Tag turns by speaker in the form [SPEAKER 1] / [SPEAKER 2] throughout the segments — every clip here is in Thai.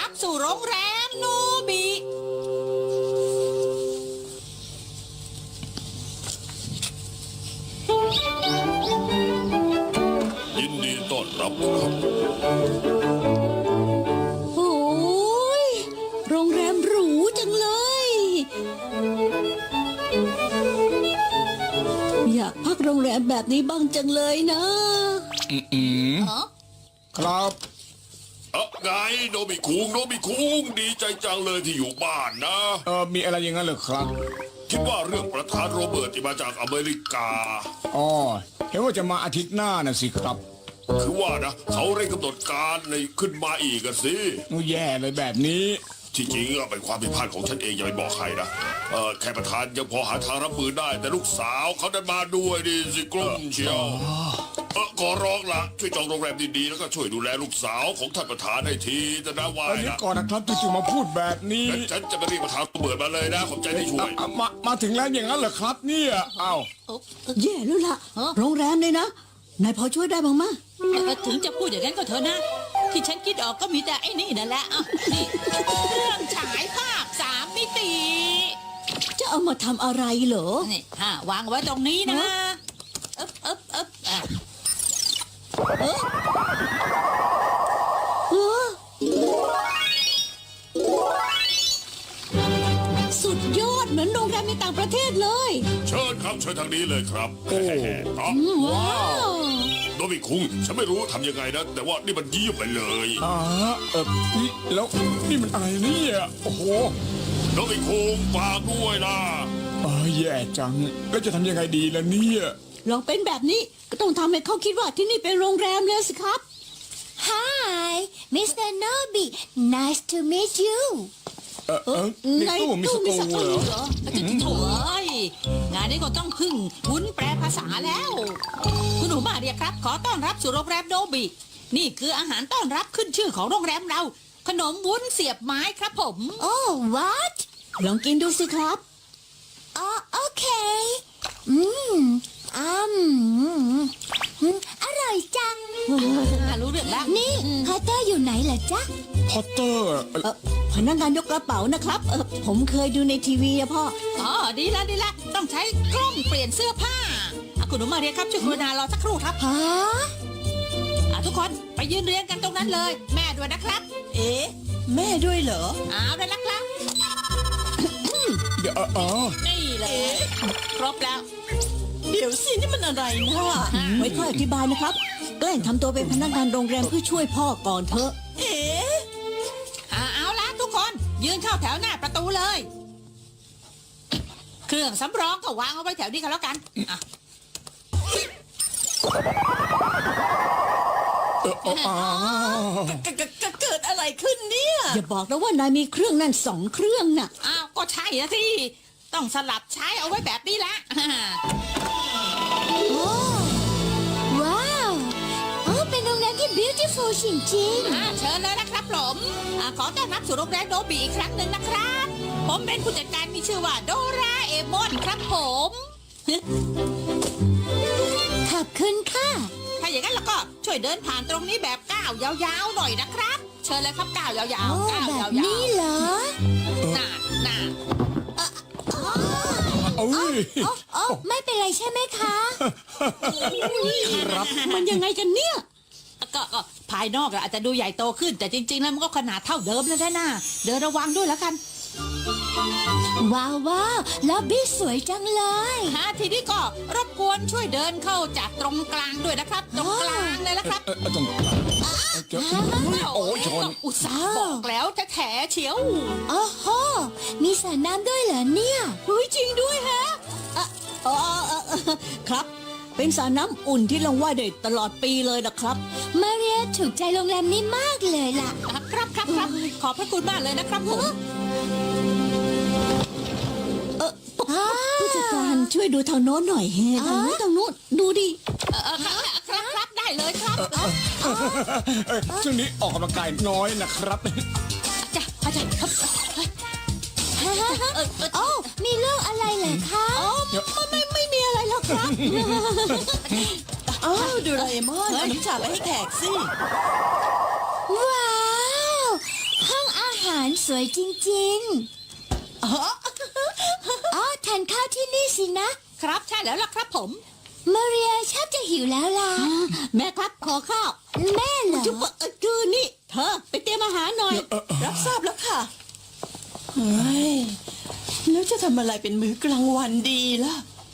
[SPEAKER 1] รับสู่โรงแรมโนบิ
[SPEAKER 2] ยินดีต้อนรับครับ
[SPEAKER 3] โอ้ยโรงแรมหรูจังเลย อยากพักโรงแรมแบบนี้บ้างจังเลยนะ
[SPEAKER 4] ครับ
[SPEAKER 2] ไงโนบิคุงดีใจจังเลยที่อยู่บ้านนะ
[SPEAKER 4] มีอะไรอย่างนั้นเหรอครับ
[SPEAKER 2] คิดว่าเรื่องประธานโรเบิร์ตที่มาจากอเมริกา
[SPEAKER 4] อ๋อ เห็นว่าจะมาอาทิตย์หน้าน่ะสิครับ
[SPEAKER 2] คือว่านะเขาเร่งกำหนดการในขึ้นมาอีกอะสิ
[SPEAKER 4] นู่แย่เลยแบบนี้
[SPEAKER 2] ที่จริงอะเป็นความผิดพลาดของฉันเองอย่าไปบอกใครนะแค่ประธานยังพอหาทางรับมือได้ แต่ลูกสาวเขาดันมาด้วยดิสิกลุ้มเชียวขอร้องละช่วยจองโรงแรมดีๆแล้วก็ช่วยดูแลลูกสาวของท่านประธานให้ทีจะน่าวาย
[SPEAKER 4] เดี๋ยว
[SPEAKER 2] นะ
[SPEAKER 4] ก่อนนะครับจู่ๆมาพูดแบบนี้
[SPEAKER 2] งั้นฉันจะไปเรียกประธานโรเบิร์ตมาเลยนะขอบใจที่ช่วย
[SPEAKER 4] มาถึงแล้วอย่างนั้นเหรอครับเนี่ยอ้าว
[SPEAKER 3] แย่แล้วล่ะ โรงแรมเลยนะ นายพอช่วยได้บ้างมะ
[SPEAKER 1] ถึงจะพูดอย่างนั้นก็เถอะนะ ที่ฉันคิดออกก็มีแต่ไอ้นี่นั่นแหละอ่ะนี่เครื่องฉายภาพ3 มิติ
[SPEAKER 3] จะเอามาทำอะไรเหรอ
[SPEAKER 1] นี่วางไว้ตรงนี้นะอึ๊บอ่ะ
[SPEAKER 3] เออสุดยอดเหมือนโรงแรมในต่างประเทศเลย
[SPEAKER 2] เชิญครับเชิญทางนี้เลยครับอ๋อ
[SPEAKER 3] ว้าว
[SPEAKER 2] โนบิคุงฉันไม่รู้ทำยังไงนะ แต่ว่านี่มันเยี่ยมไปเลย
[SPEAKER 4] นี่แล้วนี่มันอะไรเนี่ยโอ้โห
[SPEAKER 2] โนบิคุงฝากด้วยนะ
[SPEAKER 4] แย่จัง แล้วจะทำยังไงดีล่ะเนี่ย
[SPEAKER 3] ลองเป็นแบบนี้ก็ต้องทำให้เขาคิดว่าที่นี่เป็นโรงแรมเลยสิครับ
[SPEAKER 5] Hi, Mr. Nobi. Nice to meet you.
[SPEAKER 4] ในตู้มีสตูเหรอ
[SPEAKER 1] เหรอจะโถ่เอ้ยงานนี้ก็ต้องพึ่งวุ้นแปลภาษาแล้ว คุณหนูมาเรียครับ ขอต้อนรับสู่โรงแรมโนบิ นี่คืออาหารต้อนรับขึ้นชื่อของโรงแรมเรา ขนมวุ้นเสียบไม้ครับผม
[SPEAKER 5] Oh, what?
[SPEAKER 3] ลองกินดูสิครับ
[SPEAKER 5] Oh, okay. Mmm. อร่อยจัง
[SPEAKER 1] รู้เรื่องแล้ว
[SPEAKER 5] นี่พอตเตอร์อยู่ไหนล่ะจ๊ะ
[SPEAKER 4] พอตเตอร์
[SPEAKER 3] พนักงานยกกระเป๋านะครับ ผมเคยดูในทีวีอะพ่อ
[SPEAKER 1] อ๋อดีละต้องใช้กล้องเปลี่ยนเสื้อผ้าคุณหนูมาเรียครับช่วยกรุณารอสักครู่ครับ
[SPEAKER 5] ฮะ
[SPEAKER 1] ทุกคนไปยืนเรียงกันตรงนั้นเลย แม่ด้วยนะครับ
[SPEAKER 3] เอ๊ะ แม่ด้วยเหรอ
[SPEAKER 1] เอาเลยนะครับ
[SPEAKER 4] เดี๋ยว
[SPEAKER 1] นี่เลยครบแล้ว
[SPEAKER 3] เดี๋ยวสินี่มันอะไรนะไว้ค่อยอธิบายนะครับ แกล้งทำตัวเป็นพนักงานโรงแรมเพื่อช่วยพ่อก่อนเถอะ เอ๊ะ
[SPEAKER 1] เอาละทุกคนยืนเข้าแถวหน้าประตูเลย เครื่องสำรองก็วางเอาไว้แถวนี้กันแล้วกันอ่ะ
[SPEAKER 3] เกิดอะไรขึ้นเนี่ย อย่าบอกนะว่านายมีเครื่องนั่น2 เครื่องน่ะ
[SPEAKER 1] อ้าวก็ใช่อะสิต้องสลับใช้เอาไว้แบบนี้ละ
[SPEAKER 5] โอ้ว้าวโอ้เป็นโรงแรมที่ beautiful จริง
[SPEAKER 1] เชิญเลยนะครับผมขอต้อนรับสู่โรงแรมโนบิอีกครั้งหนึ่งนะครับ ผมเป็นผู้จัดการมีชื่อว่าโดราเอมอนครับผม
[SPEAKER 5] ๆ ขอบคุณค่ะ
[SPEAKER 1] ถ้าอย่างนั้นแล้วก็ช่วยเดินผ่านตรงนี้แบบก้าวยาวๆหน่อยนะครับ เชิญเลยครับก้าวยาว
[SPEAKER 5] โอ้
[SPEAKER 1] ๆก้าว
[SPEAKER 5] แบบ
[SPEAKER 1] ยาว
[SPEAKER 5] นี้เหรอ
[SPEAKER 1] ๆน่า
[SPEAKER 5] อ๋อ
[SPEAKER 4] โอ้ย
[SPEAKER 5] โอ้ไม่เป็นไรใช่ไหมคะ
[SPEAKER 4] ครับ
[SPEAKER 3] มันยังไงกันเนี่ย
[SPEAKER 1] ก็ภายนอกอาจจะดูใหญ่โตขึ้น แต่จริงๆแล้วมันก็ขนาดเท่าเดิมแล้วนะเดินระวังด้วยแล้วกัน
[SPEAKER 5] ว้าวว้าวล็อบบี้สวยจังเลย
[SPEAKER 1] ทีนี้ก็รบกวนช่วยเดินเข้าจากตรงกลางด้วยนะครับ ตรงกลางเลยนะครับ
[SPEAKER 4] ตรงโอ้ยชน
[SPEAKER 1] อุตส่าห์บอกแล้วแท้ๆเฉียว
[SPEAKER 5] โอ้โห มีสระน้ำด้วยเหรอเนี่ย
[SPEAKER 3] เฮ้ยจริงด้วยฮะครับ เป็นสระน้ำอุ่นที่ลงว่ายได้ตลอดปีเลยนะครับ
[SPEAKER 5] มาเรียถูกใจโรงแรมนี้มากเลยล่ะ
[SPEAKER 1] ครับขอบพระคุณมากเลยนะครับผม
[SPEAKER 3] ผู้จัดการช่วยดูทางโน้นหน่อยเฮ้ทางโน้นดูดิ
[SPEAKER 1] ครับได้เลยครับ
[SPEAKER 4] ช่วงนี้ออกกำลังกายน้อยนะครับ
[SPEAKER 1] จ้ะอาจารย์ครับ
[SPEAKER 5] โอ้ มีเรื่องอะไรเหรอคะ
[SPEAKER 3] ไม่มีอะไรหรอกครับอ้าวดูไรมอนเอาน้ำชาไปให้แขกสิ
[SPEAKER 5] ว้าว ห้องอาสวยจริงๆอ๋อทานข้าวที่นี่สินะครับ
[SPEAKER 1] ใช่แล้วล่ะครับผม
[SPEAKER 5] มาเรียชอบจะหิวแล้วล่ะ
[SPEAKER 3] แม่ครับขอข้าว
[SPEAKER 5] แม่เหรอ
[SPEAKER 3] จุ๊บคือนี่ เธอไปเตรียมอาหารหน่อย
[SPEAKER 6] รับทราบแล้วค่ะเฮ้ยแล้วจะทำอะไรเป็นมื้อกลางวันดีล่ะ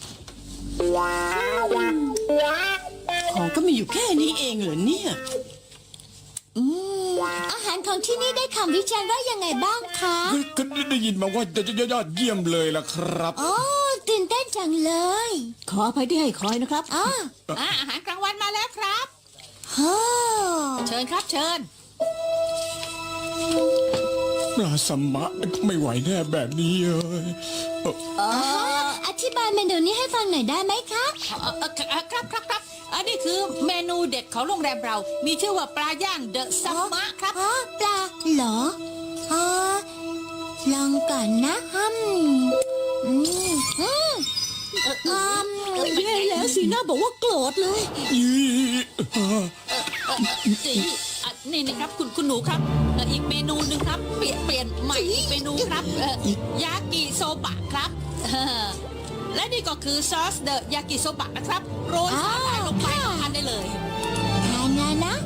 [SPEAKER 6] ของก็มีอยู่แค่นี้เองเหรอเนี่ย
[SPEAKER 5] อาหารของที่นี่ได้คำวิจารณ์ว่ายังไงบ้างคะ
[SPEAKER 4] ก็ได้ยินมาว่ายอดเยี่ยมเลยล่ะครับ
[SPEAKER 5] โอ้ตื่นเต้นจังเลย
[SPEAKER 3] ขออภัยที่ให้คอยนะครับ
[SPEAKER 5] อ๋อ
[SPEAKER 1] อาหารกลางวันมาแล้วครับ
[SPEAKER 5] โอ้
[SPEAKER 1] เชิญครับเชิญ
[SPEAKER 4] ปลาสมะไม่ไหวแน่แบบนี้เลย
[SPEAKER 5] อธิบายเมนูนี้ให้ฟังหน่อยได้ไหมคะ
[SPEAKER 1] ครับอันนี้คือเมนูเด็ดของโรงแรมเรา มีชื่อว่าปลาย่างเดอะซัมมะครับ
[SPEAKER 5] อ๋อปลาเหรออ๋อลองก่อนนะ
[SPEAKER 3] แย่แล้วสีหน้าบอกว่าโกรธเลย
[SPEAKER 1] นี่นะครับคุณหนูครับอีกเมนูหนึ่งครับ เปลี่ยนใหม่อีกเมนูครับยากิโซบะครับและนี่ก็คือซอสเดอะยากิโซบะนะครับโรยสาหร่ายลงไปทานได้เลย
[SPEAKER 5] ทานนะ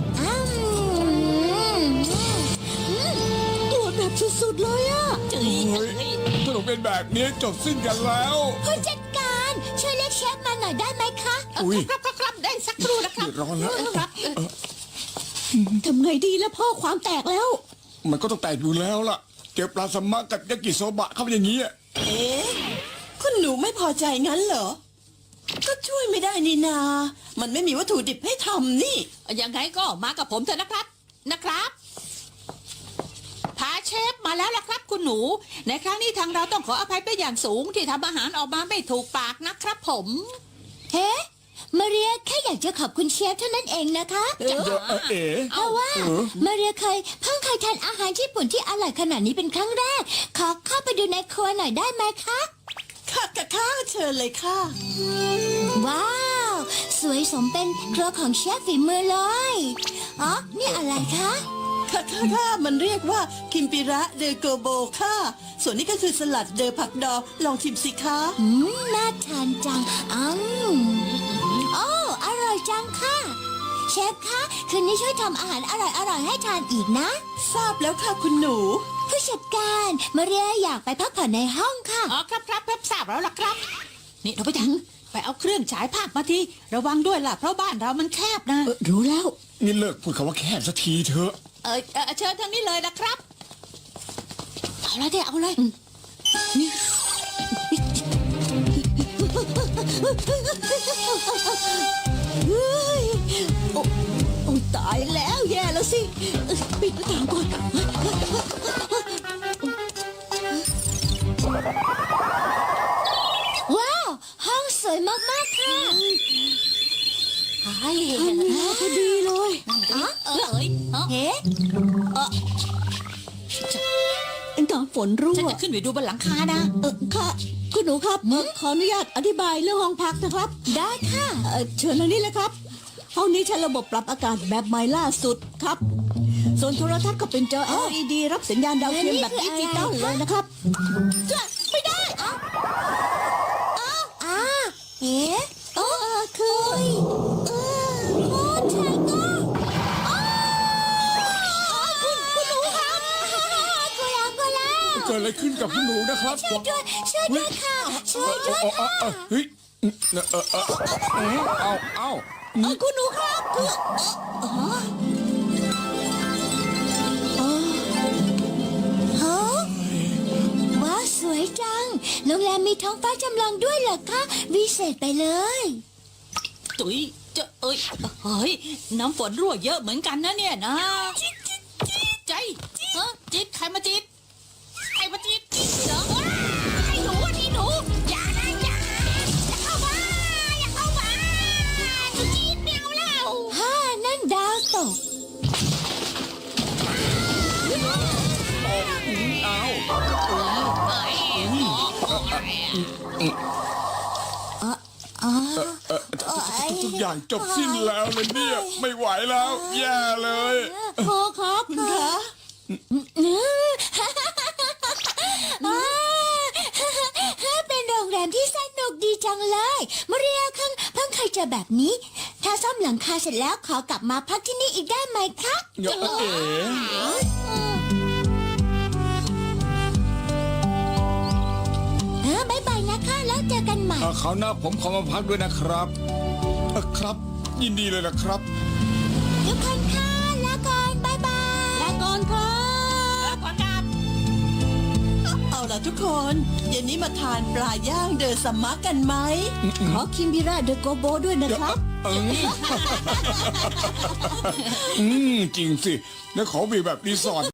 [SPEAKER 3] โกรธแบบสุดๆเลยอะ
[SPEAKER 1] จืด
[SPEAKER 4] ถ้าเราเป็นแบบนี้จบสิ้นกันแล้ว
[SPEAKER 5] ผู้จัดการช่วยเรียกเชฟมาหน่อยได้ไหมคะ
[SPEAKER 4] อุ๊ย
[SPEAKER 1] ครับได้สักครู่นะครับ
[SPEAKER 4] เดือดร้อนแล้ว
[SPEAKER 1] ครับ
[SPEAKER 3] ทำไงดีแล้วพ่อความแตกแล้ว
[SPEAKER 4] มันก็ต้องแตกอยู่แล้วล่ะ เจอปลาสมะกับยากิโซบะเข้าไปอย่างนี้อะ
[SPEAKER 6] เอ๊ะคุณหนูไม่พอใจงั้นเหรอ ก็ช่วยไม่ได้นี่นา มันไม่มีวัตถุดิบให้ทำนี่
[SPEAKER 1] ยังไงก็มากับผมเถอะนะครับพาเชฟมาแล้วล่ะครับคุณหนู ในครั้งนี้ทางเราต้องขออภัยเป็นอย่างสูงที่ทำอาหารออกมาไม่ถูกปากนะครับผม
[SPEAKER 5] เฮ้มาเรียแค่อยากจะขอบคุณเชฟเท่านั้นเองนะคะ
[SPEAKER 4] เอ๋
[SPEAKER 5] เพราะว่ามาเรียเพิ่งเคยทานอาหารญี่ปุ่นที่อร่อยขนาดนี้เป็นครั้งแรก ขอเข้าไปดูในครัวหน่อยได้ไหมคะ
[SPEAKER 6] ค่ะเชิญเลยค่ะ
[SPEAKER 5] ว้าว สวยสมเป็นครัวของเชฟฝีมือเลยอ๋อนี่อะไรคะ
[SPEAKER 6] ค่ะมันเรียกว่าคิมปิระเดอโกโบค่ะ ส่วนนี้ก็คือสลัดเดอผักดองลองชิมสิคะ
[SPEAKER 5] น่าทานจังโอ้อร่อยจังค่ะ เชฟคะคืนนี้ช่วยทำอาหารอร่อยๆให้ทานอีกนะ
[SPEAKER 6] ทราบแล้วค่ะคุณหนู
[SPEAKER 5] ผู้จัดการมาเรียอยากไปพักผ่อนในห้องค่ะ
[SPEAKER 1] อ๋อครับทราบแล้วล่ะครับ นี่เราไปเอาเครื่องฉายภาพมาทีระวังด้วยล่ะเพราะบ้านเรามันแคบนะ
[SPEAKER 3] รู้แล้ว
[SPEAKER 4] นี่เลิกพูดคำว่าแคบสักทีเถอะ
[SPEAKER 1] เชิญทางนี้เลยนะครับ
[SPEAKER 3] เอาเลย เฮ้ยโอ้ตายแล้วแย่แล้วสิ ปิดหน้าต่างก่อน
[SPEAKER 5] ว้าว ห้องสวยมากๆค่ะ
[SPEAKER 3] พอดีเลย
[SPEAKER 5] เฮ้
[SPEAKER 3] ตอนฝนรั่
[SPEAKER 1] ฉัน
[SPEAKER 3] ว
[SPEAKER 1] จะขึ้นไปดูบนหลังคานะ
[SPEAKER 3] ค่ะ คุณหนูครับขออนุญาตอธิบายเรื่องห้องพักนะครับ
[SPEAKER 5] ได้ค่ะ
[SPEAKER 3] เชิญทางนี้เลยครับ ห้องนี้ใช้ระบบปรับอากาศแบบใหม่ล่าสุดครับ ส่วนโทรทัศน์ก็เป็นจอ LED รับสัญญาณดาวเทียมแบบดิจิตอลเลยนะครับ
[SPEAKER 5] ไม่ได้เอ๊ะคือโอ้ใช่ก็คุณหนูครับกลัว
[SPEAKER 4] เกิดอะไรขึ้นกับคุณหนูนะครับ
[SPEAKER 5] ช่วยด้วยค่ะ ช่วยด้วยค่ะ
[SPEAKER 4] เฮ้ยเอา
[SPEAKER 3] คุณหนูครับคือ
[SPEAKER 5] ฮะว้าวสวยจัง โรงแรมมีท้องฟ้าจำลองด้วยเหรอคะวิเศษไปเลย
[SPEAKER 1] ตุ๋ยเฮ้ยน้ำฝนรั่วเยอะเหมือนกันนะเนี่ยนะใจจิ๊ดใครมาจิ๊ดเหรอไอ้หนูอย่าเข้ามาจิ๊ดไม่เอาแล้ว
[SPEAKER 5] นั่นดาวตก
[SPEAKER 4] ทุกอย่างจบสิ้นแล้วเลยเนี่ย ไม่ไหวแล้ว แย่เลย
[SPEAKER 3] พ่อครับ
[SPEAKER 6] คุณคะ
[SPEAKER 5] อืมจอแบบนี้ ถ้าซ่อมหลังคาเสร็จแล้วขอกลับมาพักที่นี่อีกได้ไหมคะ
[SPEAKER 4] เดี๋ยวเอ๋
[SPEAKER 5] บ๊ายบายนะคะแล้วเจอกันใหม่
[SPEAKER 4] คราวหน้าผมขอมาพักด้วยนะครับครับ ยินดีเลยนะครับ
[SPEAKER 5] ทุกคนค่ะลาก่อนบ๊ายบาย
[SPEAKER 3] ลาก่อนครับ
[SPEAKER 1] ขอรับ
[SPEAKER 6] เอาล่ะทุกคนเย็นนี้มาทานปลาย่างเดอซัมมะกันไหม
[SPEAKER 3] ขอคิมบิระเดอะโกโบด้วยนะครับ
[SPEAKER 4] จริงสิ แล้วขอมีแบบรีสอร์ท